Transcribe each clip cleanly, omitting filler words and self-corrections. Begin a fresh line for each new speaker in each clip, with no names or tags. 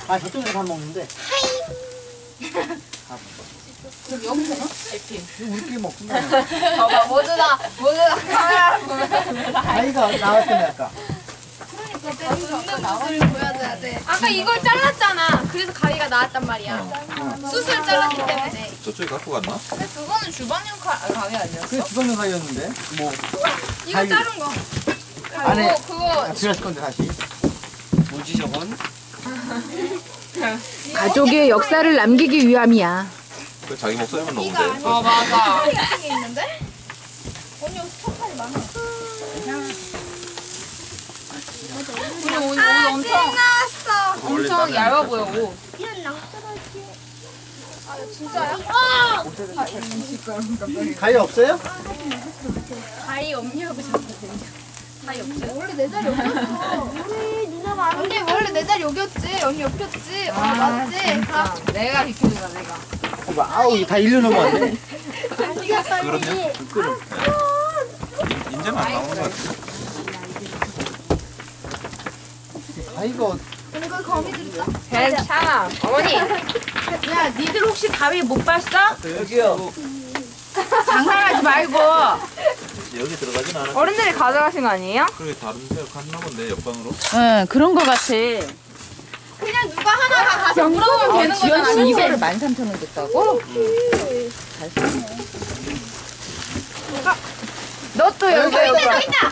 아 저쪽에서 밥 먹는데.
여기 여기서는? 이렇게.
우리끼리 먹구나.
봐봐 모두 다 카메라 보면서
아이가 나왔더니 아까.
그러니까 웃는 모습을 보여줘야 돼. 아까 이걸 잘랐잖아. 그래서 가위가 나왔단 말이야. 숯을 잘랐기 때문에.
저쪽에 갖고 갔나?
근데 그거는 주방용 가위 아니었어?
그게 주방용 가위였는데. 뭐.
이거
가위.
자른 거.
안에.
그거
들어갈 건데 다시. 뭐지 저건?
가족의 역사를 남기기 위함이야.
그 자기 목소리만 넣으면 돼.
맞아. 같은 게 있는데? 언니 여기 턱살이 많아. 우리 옷 엄청 얇아 보여 옷. 아 진짜요?
가위 없어요?
가위 없냐고 자꾸. 가위 없어요?
원래 내 자리 여기였어. 우리 누나 많은
언니 원래 내 자리 여기였지. 언니 옆이었지. 맞지? 가. 내가 비켜줘가 내가.
아우 이거 다 일려놓으면
자리가 빨리.
그럼요. 인제는 안 나오는 것 같아.
가위가
이거 거미줄 있어?
괜찮아. 어머니.
야, 니들 혹시 가위 못 봤어?
여기요.
장난하지 말고.
여기 들어가진 않아.
어른들이 가져가신 거 아니에요?
그래 다른 데 갔나 본데 옆방으로.
응, 그런 거 같아.
그냥 누가 하나가 가서 물어보면 되는
지연
거잖아.
씨 이거를 13,000원 줬다고? 잘 쓰네. 너 또 여기
저기 있다.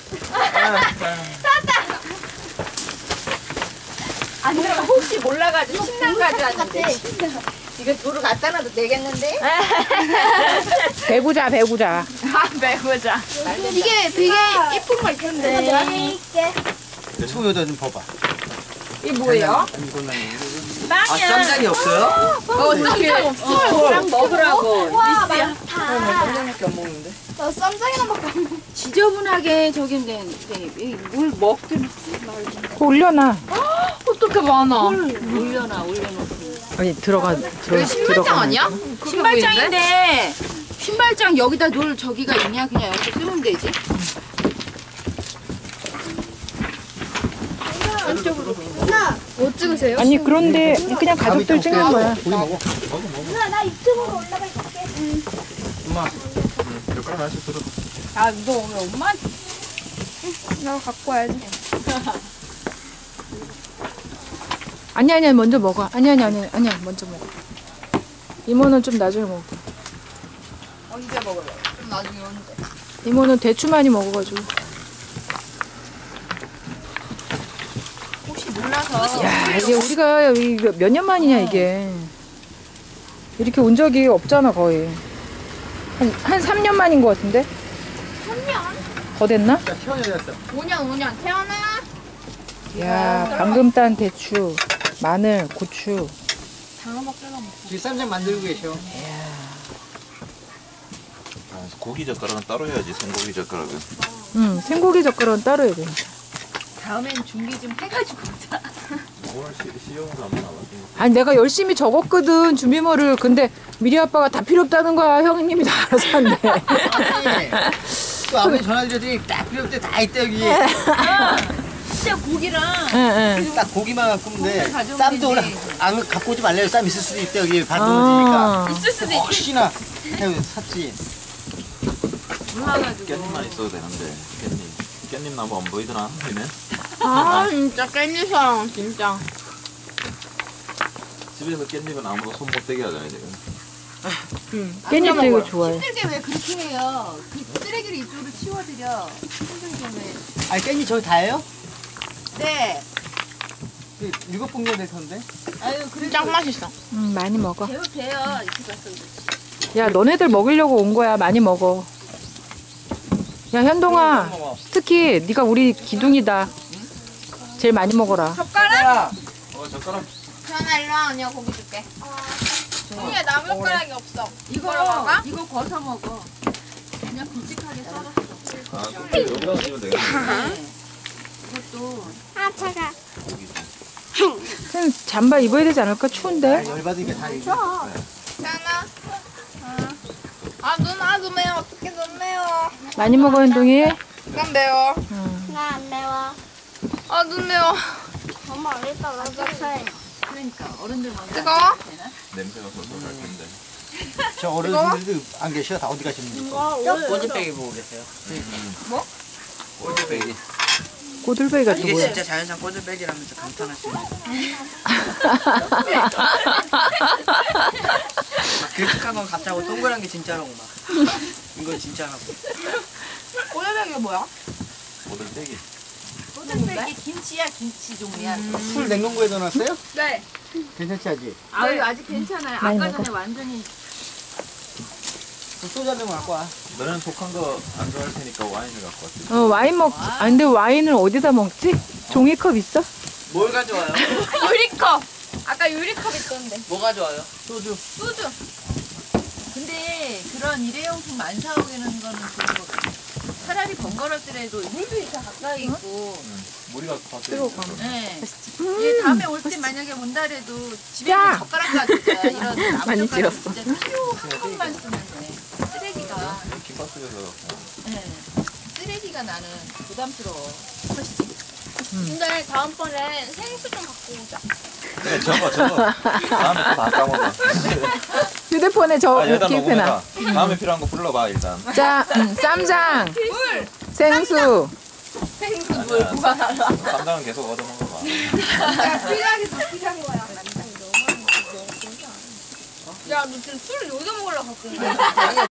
안 들어가 혹시 몰라가지고 침낭까지 왔는데 이거 도로 갖다 놔도 되겠는데? 배구자 배구자.
아 매고자.
이게 되게 예쁜 거 있던데. 내가 있게.
소 여자 좀 봐봐.
이게 뭐예요?
아 쌈장이 없어요?
쌈장 없어.
랑 먹으라고.
와 많다.
쌈장밖에 안 먹는데.
나 쌈장이나밖에 안 먹어.
지저분하게 저기 물 먹든 올려놔.
어떻게 많아?
올려놔. 아니
여기 신발장 아니야?
신발장인데 신발장 여기다 놓을 저기가 있냐? 그냥 여기 쓰면 되지.
누나
뭐 찍으세요?
아니 그런데 그냥 가족들 찍는 거야.
고기 먹어.
누나 나 유튜브로 올라가 있을게.
엄마.
젓가락 하나씩 들어.
아 너 오늘 엄마
나 갖고 와야지.
아니야 먼저 먹어. 아니야 먼저 먹어. 이모는 좀 나중에 먹어.
언제 먹을래? 그럼 나중에 언제?
이모는 대추 많이 먹어가지고.
혹시 몰라서.
야 이게 우리가 몇 년 만이냐 이게. 이렇게 온 적이 없잖아 거의. 한 3년 만인 것 같은데?
3년?
더 됐나?
야 태원이 됐어.
5년 태어나?
야 방금 딴 대추, 마늘, 고추.
지금 쌈장 만들고 계셔.
아, 고기 젓가락은 따로 해야지. 생고기 젓가락은.
응 생고기 젓가락은 따로 해야 돼.
다음엔 준비 좀 해가지고 오자.
오늘 시험으로 한번 나왔지.
아니 내가 열심히 적었거든 준비물을. 근데 미리 아빠가 다 필요 없다는 거야. 형님이 다 알아서 한대.
아니. 그 아버지 전화드렸더니 딱 필요 없대 다 있대 여기.
진짜 고기랑
응.
딱 고기만 갖고 오면 돼.
가져오면
쌈도 오라.
되지.
안 갖고 오지 말래요. 쌈 있을 수도 있대 여기 반 넘어지니까.
있을 수도 있지.
혹시나 해요 샀지.
몰라가지고.
깻잎만 있어도 되는데 깻잎 나무 안 보이더나? 얘는?
아 진짜 깻잎 사랑 진짜.
집에서 깻잎은 아무도 손 못 대게 하잖아요 지금.
깻잎도 이거 좋아해.
힘들게 왜 그렇게 해요? 그 쓰레기를 이쪽으로 치워드려. 힘들게 왜?
아니 깻잎 저기 다예요?
네.
7봉지가 될 텐데.
아유 그래도
짱 맛있어.
많이 먹어.
배우 돼요. 이렇게 봤으면 좋지.
야 너네들 먹이려고 온 거야. 많이 먹어. 야 현동아 특히 네가 우리 기둥이다. 제일 많이 먹어라.
젓가락?
젓가락.
태연아 일로 와. 언니가 고기 줄게. 언니가 나무 젓가락이 없어. 이거로 먹어?
이거 거서 먹어. 그냥 굵직하게 썰어.
아, 여기다 넣으면 되겠네.
이것도
아 차가.
그냥 잠바 입어야 되지 않을까? 추운데.
열받으니까 다 이거.
태연아. 아 누나 좀 매워. 어떻게 좀 매워.
많이 먹어 현동이.
난 매워.
나 안 매워.
아 눈 매워.
엄마 일단 라자차에. 그러니까 어른들 먼저.
뜨거워?
냄새가 솔솔 날 텐데.
저 어른들도 안 계셔. 다 어디 가셨는지.
꼬들빼기 보고 계세요.
꼴배기.
고들베이가
이게
누구야?
진짜 자연산 꼬들빼기라면서 감탄하시네. 길쭉한 건 가짜고 동그란 게 진짜라고 막. 이거 진짜라고.
꼬들빼기가 뭐야?
꼴배기.
꼬들빼기 김치야 김치 종류야.
술 냉동고에 넣어놨어요?
네.
괜찮지 아직?
아유 아직 괜찮아요.
많이
아까
먹어.
전에 완전히
그 소주 한 병 갖고 와.
너는 독한 거 안 좋아할 테니까 와인을 갖고 왔지.
와인 먹. 아 근데 와인을 어디다 먹지? 종이컵 있어?
뭘 가져와요?
유리컵. 아까 유리컵 있던데.
뭐 가져와요?
소주.
소주.
근데 그런 일회용품 안 사오게는 거는 좋은 것 같아. 차라리 번거롭더라도 물도 이렇게 가까이 있고.
물이 갖고 밖에.
뜨거워.
네. 얘 다음에 올 때 만약에 온다 해도 집에
야!
있는 젓가락 가지고 이런
많이
나무 젓가락
찌웠어.
진짜 필요한 것만 쓰면 돼. 쓰레기가.
김밥 속에서.
네. 쓰레기가 나는 부담스러워.
근데 다음번에 생수 좀 갖고 오자.
그래 저거. 다음에 또 다 까먹어.
휴대폰에 저
아 여기다
기입해놔.
녹음해놔. 다음에 필요한 거 불러봐 일단.
자, 쌈장,
물.
생수.
생수 물
아니야.
구하달라.
쌈장은 계속 얻어먹어봐.
야, 필요하게 더 필요한 거야. 야, 너 지금 술을 여기다 먹으려고 갖고 온 거야?